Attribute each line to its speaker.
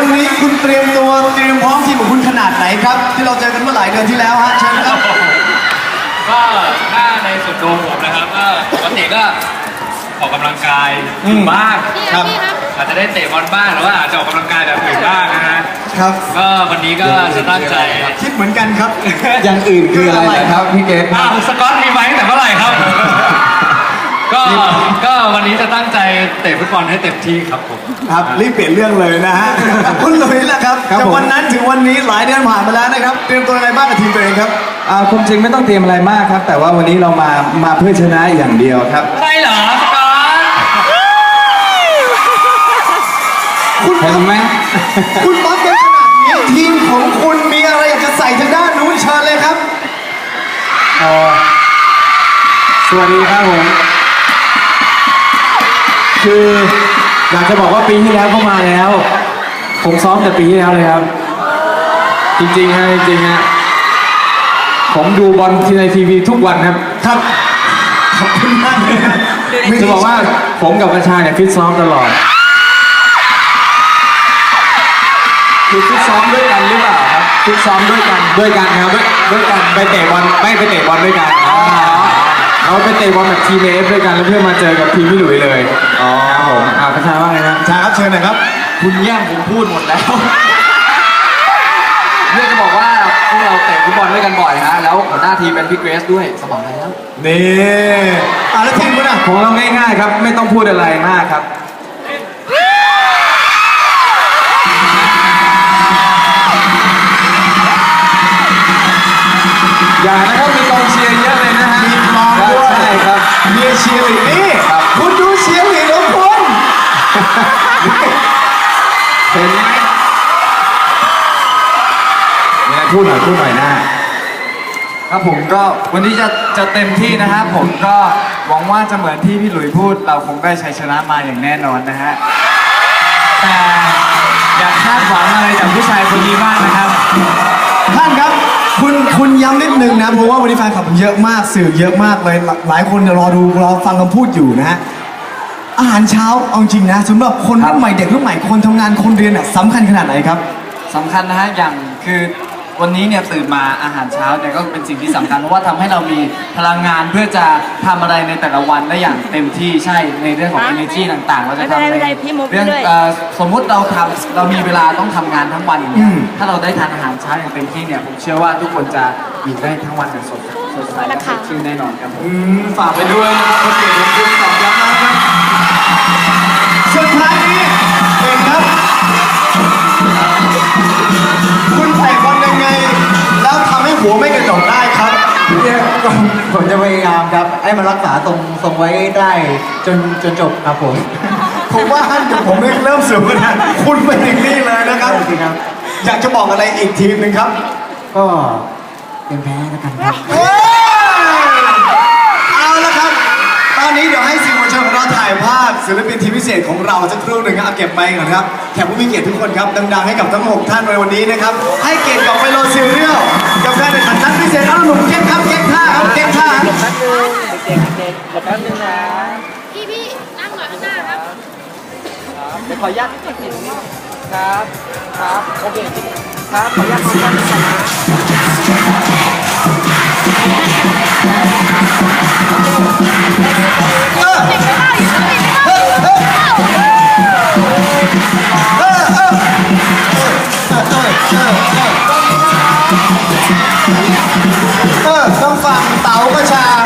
Speaker 1: วันนี้คุณเตรียมตัวเตรียมพร้อมทีมของคุณขนาดไหนครับที่เราเจอกันเมื่อหลายเดือนที่แล้วฮะเชิญครับ
Speaker 2: ก็ถ้าในส่วนตัวผมนะครับก็ปกติก็ออกกำลังกายบ้างครับอาจจะได้เตะบอลบ้างหรือว่าอาจจะออกกำลังกายแบบอื่นบ้างนะฮะ
Speaker 1: ครับ
Speaker 2: ก็วันนี้ก็จะตั้งใจ
Speaker 1: คิดเหมือนกันครับ
Speaker 3: อย่างอื่นคืออะไรครับพี่เกศ
Speaker 2: สกอตมีไว้ตั้งแต่เมื่อไหร่ครับก็วันนี้จะตั้งใจเตะฟุตบอลให้เต็มที่ครับผม
Speaker 1: ครับรีบเปลี่ยนเรื่องเลยนะฮะคุณหลุยส์ล่ะครับจากวันนั้นถึงวันนี้หลายเดือนผ่านมาแล้วนะครับเตรียมตัวอะไรบ้างกับทีมตัวเองครับ
Speaker 3: ความจริงไม่ต้องเตรียมอะไรมากครับแต่ว่าวันนี้เรามาเพื่อชนะอย่างเดียวครับ
Speaker 2: ใช่เหรอสกอต
Speaker 1: คุณ
Speaker 3: เห็นไหม
Speaker 1: คุณป๊อปกันขนาดนี้ทีมของคุณมีอะไรจะใส่ทางด้านนู้นเชิญเลยครับ
Speaker 3: สวัสดีครับผมคืออยากจะบอกว่าปีที่แล้วก็มาแล้วผมซ้อมแต่ปีที่แล้วเลยครับจริงๆฮะจริงๆฮะผมดูบอลในทีวีทุกวันครับ
Speaker 1: ครับขอบคุณมากเลยครับ
Speaker 3: จะบอกว่าผมกับประชาเนี่ยฟิตซ้อมตลอดคือฟิตซ้อมด้วยกันหรือเปล่าครับฟิตซ้อมด้วยกันครับด้วยกันไปเตะบอลด้วยกันเราไปเตะบอลแบบทีมเอฟด้วยกันแล้วเพื่อมาเจอกับทีมพี่หลุยเลยครับผมประชาว่าไงนะ
Speaker 1: ชาครับเชิญหน่อยครับ
Speaker 3: คุณแย่งผมพูดหมดแล้วเรื่องจะบอกว่าพวกเราเตะฟุตบอลด้วยกันบ่อยฮะแล้วหัวหน้าทีมเป็นพี่เกรซด้วยสมองแล้ว
Speaker 1: นี่แล้วทีมคุณอ่ะ
Speaker 3: ของเราง่ายๆครับไม่ต้องพูดอะไรมากครับอย่านะครับมีกองเชียร์เยอะเลยนะฮะ
Speaker 1: มีกองด้วย
Speaker 3: ใช่ครับ
Speaker 1: มีเชียร์ลีดนี่คุณดูเชียร์ลีดของคุณ
Speaker 3: เห็นไหมมีอะไรพูดหน่อยนะครับผมก็วันนี้จะเต็มที่นะครับผมก็หวังว่าจะเหมือนที่พี่หลุยพูดเราคงได้ชัยชนะมาอย่างแน่นอนนะฮะแต่อย่าคาดหวังอะไรจากผู้ชายคนนี้มากนะครับ
Speaker 1: ท่านครับคุณย้ำนิดนึงนะเพราะว่าวันนี้แฟนคลับเยอะมากสื่อเยอะมากเลยหลายคนรอฟังคำพูดอยู่นะฮะอาหารเช้าเอาจริงนะสำหรับคนรุ่นใหม่เด็กรุ่นใหม่คนทำงานคนเรียนสำคัญขนาดไหนครับ
Speaker 3: สำคัญนะฮะอย่างคือวันนี้เนี่ยตื่นมาอาหารเช้าเนี่ยก็เป็นสิ่งที่สำคัญเพราะว่าทำให้เรามีพลังงานเพื่อจะทำอะไรในแต่ละวันได้อย่างเต็มที่ใช่ในเรื่องของ energy ต่างๆเราจะทำในเรื่องสมมุติเรามีเวลาต้องทำงานทั้งวันอย่างเงี้ยถ้าเราได้ทานอาหารเช้าอย่างเต็มที่เนี่ยผมเชื่อว่าทุกคนจะอยู่ได้ทั้งวันอย่างสดใสและสดชื่นแน่นอนครับ
Speaker 1: ฝากไปด้วยนะครับคนเก่งของคุณตอบย้ำนะครับสุดท้ายนี้เองครับคุณใส่บอลยังไงแล้วทำให้หัวไม่กระจกได้ครับ
Speaker 4: ผมจะพยายามครับให้มันรักษาตรงไว้ได้จนจบครับ
Speaker 1: ผมว่าท่านกับผมเริ่มเสื่อมกันนะคุณเป็นอย่างนี้เลยนะครับอยากจะบอกอะไรอีกทีมหนึ่งครับ
Speaker 4: ก็เป็นแพ้แล้วกันครับ
Speaker 1: เอาละครับตอนนี้เดี๋ยวให้สื่อมวลชนของเราถ่ายภาพศิลปินทีมพิเศษของเราสักครู่หนึ่งเอาเก็บไปก่อนครับแขกผู้มีเกียรติทุกคนครับดังๆให้กับทั้ง6ท่านในวันนี้นะครับให้เกียรติกับไมโลซีเรียลกับการแข่งขันนัดพิเศษเอาหนุ่มเก่งครับเก่งท่าครับเก่งท่า
Speaker 4: เด็กแป๊บนึงนะ
Speaker 5: พี่นั่งหน่อยข้างหน้าครับ
Speaker 4: เดี๋ยวขออนุญาตครับโอเคครับขออนุญาตขออนุญาต
Speaker 1: ต้องฟังเต๋ากระชา